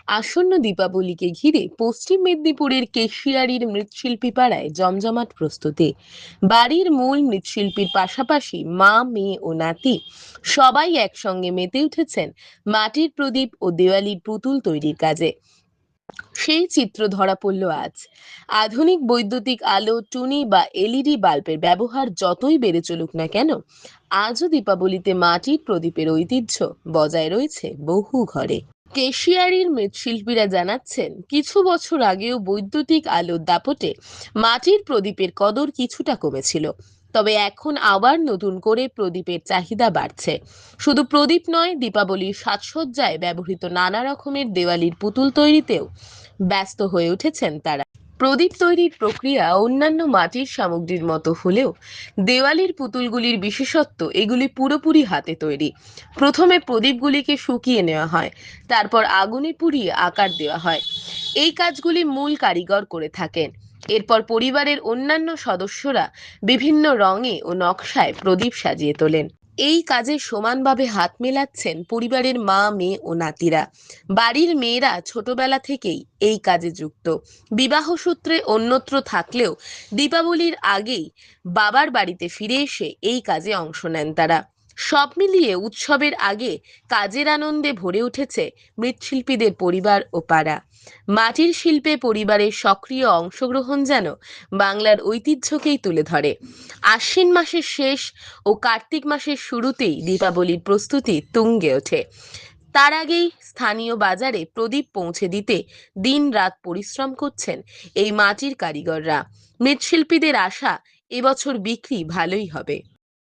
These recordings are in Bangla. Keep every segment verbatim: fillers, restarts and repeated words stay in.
আসন্ন দীপাবলিকে ঘিরে পশ্চিম মেদিনীপুরের কেশিয়ারির মৃৎশিল্পী পাড়ায় জমজমাট প্রস্তুতি। বাড়ির মূল মৃৎশিল্পীর পাশাপাশি মা, মেয়ে ও নাতি সবাই একসঙ্গে মেতে উঠেছেন মাটির প্রদীপ ও দেওয়ালির পুতুল তৈরির কাজে। সেই চিত্র ধরা পড়ল আজ। আধুনিক বৈদ্যুতিক আলো, টুনি বা এলইডি বাল্বের ব্যবহার যতই বেড়ে চলুক না কেন, আজও দীপাবলিতে মাটির প্রদীপের ঐতিহ্য বজায় রয়েছে বহু ঘরে। কেশিয়ারির মৃৎশিল্পীরা জানাচ্ছেন, কিছু বছর আগেও বৈদ্যুতিক আলোর দাপটে মাটির প্রদীপের কদর কিছুটা কমেছিল, তবে এখন আবার নতুন করে প্রদীপের চাহিদা বাড়ছে। শুধু প্রদীপ নয়, দীপাবলির সাজসজ্জায় ব্যবহৃত নানা রকমের দেওয়ালির পুতুল তৈরিতেও ব্যস্ত হয়ে উঠেছেন তারা। প্রদীপ তৈরির প্রক্রিয়া অন্যান্য মাটির সামগ্রীর মতো হলেও দেওয়ালির পুতুলগুলির বিশেষত্ব এগুলি পুরোপুরি হাতে তৈরি। প্রথমে প্রদীপগুলিকে শুকিয়ে নেওয়া হয়, তারপর আগুনে পুড়িয়ে আকার দেওয়া হয়। এই কাজগুলি মূল কারিগর করে থাকেন। এরপর পরিবারের অন্যান্য সদস্যরা বিভিন্ন রঙে ও নকশায় প্রদীপ সাজিয়ে তোলেন। এই কাজে সমানভাবে হাত মেলাচ্ছেন পরিবারের মা, মেয়ে ও নাতিরা। বাড়ির মেয়েরা ছোটবেলা থেকেই এই কাজে যুক্ত। বিবাহ সূত্রে অন্যত্র থাকলেও দীপাবলির আগেই বাবার বাড়িতে ফিরে এসে এই কাজে অংশ নেন তারা। সব মিলিয়ে উৎসবের আগে কাজের আনন্দে ভরে উঠেছে মৃৎশিল্পীদের পরিবার ও পাড়া। মাটির শিল্পে পরিবারের সক্রিয় অংশগ্রহণ যেন বাংলার ঐতিহ্যকেই তুলে ধরে। আশ্বিন মাসের শেষ ও কার্তিক মাসের শুরুতেই দীপাবলির প্রস্তুতি তুঙ্গে ওঠে। তার আগেই স্থানীয় বাজারে প্রদীপ পৌঁছে দিতে দিন রাত পরিশ্রম করছেন এই মাটির কারিগররা। মৃৎশিল্পীদের আশা, এবছর বিক্রি ভালোই হবে।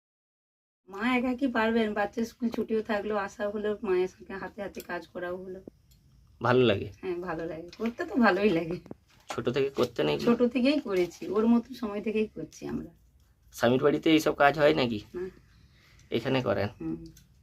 মা একা কি পারবেন? বাচ্চা স্কুল ছুটিও থাকলো, আসা হলো, মায়ের সঙ্গে হাতে হাতে কাজ করাও হলো। ভালো লাগে? হ্যাঁ, ভালো লাগে, করতে তো ভালোই লাগে। ছোট থেকে করতে নেই? ছোট থেকেই করেছি, ওর মতো সময় থেকেই করছি আমরা। স্বামীর বাড়িতে এইসব কাজ হয় নাকি? না। এখানে করেন? হুম।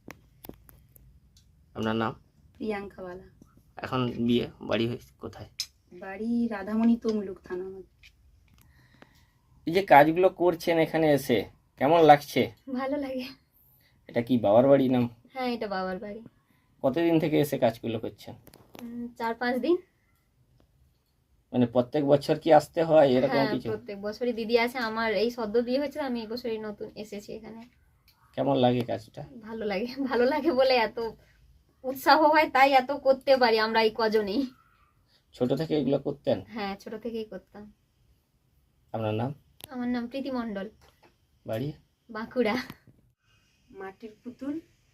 আপনার নাম? প্রিয়াঙ্কা বালা। এখন বিয়ে বাড়ি কোথায়? বাড়ি রাধামণি তমলুক থানা। এই যে কাজগুলো করছেন এখানে এসে কেমন লাগছে? ভালো লাগে। এটা কি বাবার বাড়ি নাম? হ্যাঁ, এটা বাবার বাড়ি। কতদিন থেকে এসে কাজগুলো করছেন? উম, চার পাঁচ দিন। মানে প্রত্যেক বছর কি আসতে হয় এরকম হ্যাঁ, কিছু? প্রত্যেক বছরই দিদি আছে। আমার এই সদ্য বিয়ে হয়েছে, আমি এই বছরই নতুন এসেছি এখানে। কেমন লাগে কাজটা? ভালো লাগে। ভালো লাগে বলে এত উৎসাহ হয়, তাই এত করতে পারি আমরা এই কজনেই। ছোট থেকে এগুলো করতেন? হ্যাঁ, ছোট থেকেই করতাম। আপনার নাম? আমার নাম প্রীতি মণ্ডল, বাড়ি? বাঁকুড়া। মাটির পুতুল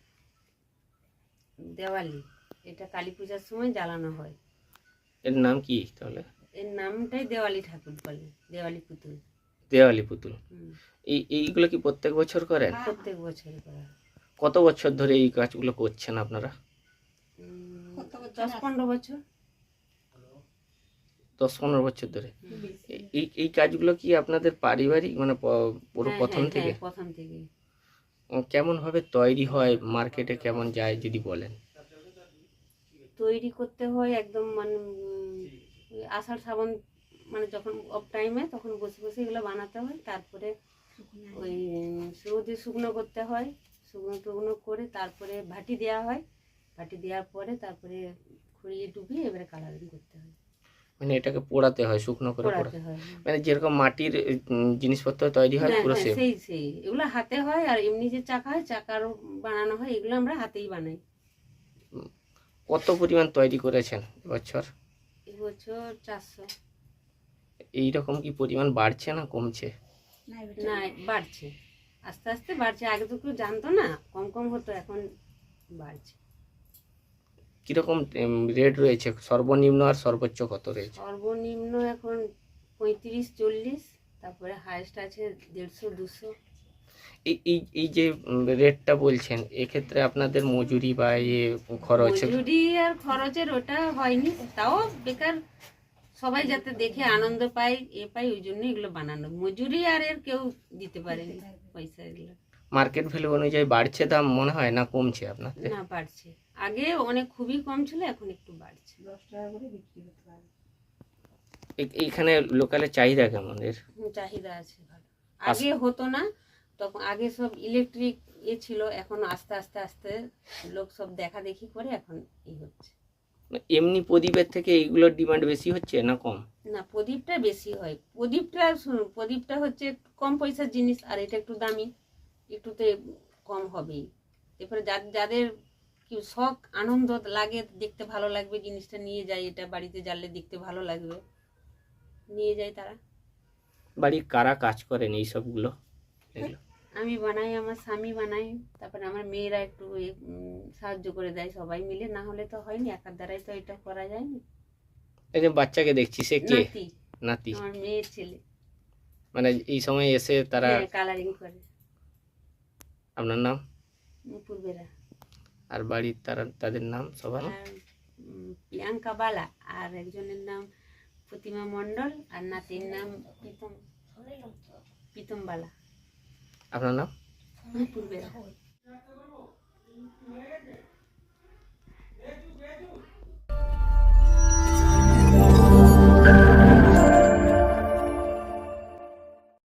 দেওয়ালি, এটা কালী পূজার সময় জ্বালানো হয়। এর নাম কি তাহলে? এর নামটাই দেওয়ালি ঠাকুর বলে, দেওয়ালি পুতুল। দেওয়ালি পুতুল। হুম। এই এইগুলো কি প্রত্যেক বছর করেন? প্রত্যেক বছর করা হয়। কত বছর ধরে এই কাজগুলো করছেন আপনারা? উম, দশ পনেরো বছর। দশ পনেরো বছর ধরে। এই এই কাজগুলো কি আপনাদের পারিবারিক, মানে প- পুরো হ্যাঁ, প্রথম হ্যাঁ, থেকে? হ্যাঁ, প্রথম থেকে। কেমন ভাবে তৈরি হয়, মার্কেটে কেমন যায় যদি বলেন? তৈরি করতে হয় একদম, মানে উম, ওই আষাঢ় শ্রাবণ, মানে যখন অফ টাইমে তখন বসে বসে এগুলো বানাতে হয়। তারপরে ওই রোদে শুকনো করতে হয়, শুকনো টুকনো করে তারপরে ভাটি দেওয়া হয়। ভাটি দেওয়ার পরে তারপরে খুঁড়িয়ে ডুবিয়ে এবারে কালারিং করতে হয়, মানে এটাকে পোড়াতে হয়, শুকনো করে পোড়া, পোড়াতে হয়। হ্যাঁ। মানে যেরকম মাটির উম, জিনিসপত্র তৈরি হয় হ্যাঁ, পুরো হ্যাঁ, সেম? সেই সেই এগুলো হাতে হয়। আর এমনি যে চাকা হয়, চাকারও বানানো হয়, এগুলো আমরা হাতেই বানাই। কত পরিমাণ তৈরি করেছেন এবছর? এবছর চারশো। এইরকম কি পরিমাণ বাড়ছে না কমছে? না, বাড়ছে, আস্তে আস্তে বাড়ছে। আগে তো কেউ জানতো না, কম কম হতো, এখন বাড়ছে। কিরকম রেট রয়েছে, সর্বনিম্ন আর সর্বোচ্চ কত রয়েছে? সর্বনিম্ন এখন পঁয়ত্রিশ চল্লিশ, তারপরে হাইস্ট আছে দেড়শো দুশো। এই এই এই যে রেটটা বলছেন, এক্ষেত্রে আপনাদের মজুরি বা ইয়ে খরচ? মজুরি আর খরচের ওটা হয়নি, তাও বেকার সবাই যাতে দেখে আনন্দ পায়, এ পায়, ওই জন্য এগুলো বানানো। মজুরি আর এর কেউ দিতে পারেনি পয়সা এগুলো। মার্কেট ভ্যালু অনুযায়ী বাড়ছে দাম মনে হয়, না কমছে আপনাদের? না, বাড়ছে। আগে অনেক খুবই কম ছিল, এখন একটু বাড়ছে। দশ টাকা করে বিক্রি হতে পারে। এই- এইখানে লোকালের চাহিদা কেমন এর? হুম, চাহিদা আছে ভালো। আগে হতো না, তখন আগে সব ইলেকট্রিক এ ছিল, এখন আস্তে আস্তে আস্তে লোক সব দেখা দেখি করে এখন এই হচ্ছে। এমনি প্রদীপের থেকে এইগুলোর ডিমান্ড বেশি হচ্ছে না কম? না, প্রদীপটা বেশি হয়। প্রদীপটা শুনুন, প্রদীপটা হচ্ছে একটু কম পয়সার জিনিস, আর এটা একটু দামি, একটুতে কম হবেই। এরপরে যা- যাদের কি শখ আনন্দ লাগে, দেখতে ভালো লাগবে জিনিসটা, নিয়ে যায়, এটা বাড়িতে জ্বাললে দেখতে ভালো লাগবে, নিয়ে যায় তারা। বাড়ির কারা কাজ করেন এই সবগুলো? এগুলো আমি বানাই, আমার স্বামী বানাই, তারপরে আমার মেয়েরা একটু এ, উম, সাহায্য করে দেয়, সবাই মিলে, না হলে তো হয়নি, একার দ্বারাই তো এটা করা যায়নি। এই যে বাচ্চাকে দেখছি, সে কে? নাতি, নাতি? আমার মেয়ের ছেলে, মানে এই সময় এসে তারা, কালারিং করে। আপনার নাম পূর্বেরা আর বাড়ির তারা, তাদের নাম সবার? আর উম, প্রিয়াঙ্কা বালা, আর একজনের নাম প্রতিমা মণ্ডল, আর নাতির নাম প্রীতম প্রীতম বালা। আপনার নাম? পূর্বেরা।